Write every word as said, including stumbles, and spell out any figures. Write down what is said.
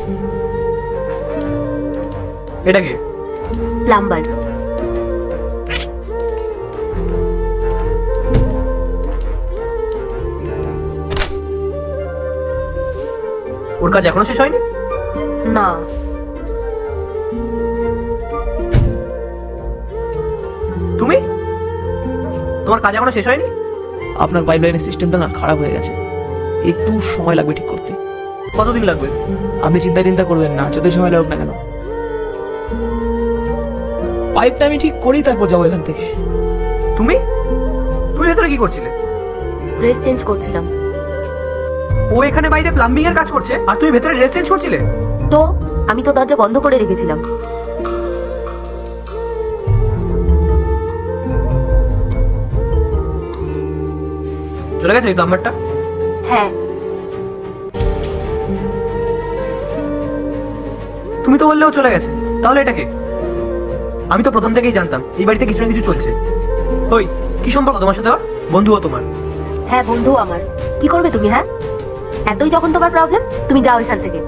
এটা কি? প্লাম্বার। ওর কাজ এখনো শেষ হয়নি? না। তুমি, তোমার কাজ এখনো শেষ হয়নি? আপনার পাইপলাইনের সিস্টেমটা না খারাপ হয়ে গেছে, একটু সময় লাগবে ঠিক করতে। কতদিন লাগবে? আপনি চিন্তা চিন্তা করবেন না, যতই সময় লাগুক না কেন, পাইপটা আমি ঠিক করি তারপর যাবো এখান থেকে। তুমি তুমি ভেতরে কি করছিলে? ড্রেস চেঞ্জ করছিলাম। ও এখানে বাইরে প্লাম্বিং এর কাজ করছে আর তুমি ভেতরে ড্রেস চেঞ্জ করছিলে? তো আমি তো দরজা বন্ধ করে রেখেছিলাম। চলে গেছে ওই প্লাম্বারটা? হ্যাঁ। তুমি তো বললেও চলে গেছে, তাহলে এটা কে? আমি তো প্রথম থেকেই জানতাম এই বাড়িতে কিছু না কিছু চলছে। ওই কি সম্পর্ক তোমার সাথে? ওর বন্ধু ও তোমার? হ্যাঁ বন্ধু আমার। কি করবে তুমি? হ্যাঁ, এতই যখন তোমার প্রবলেম, তুমি যাও এখান থেকে।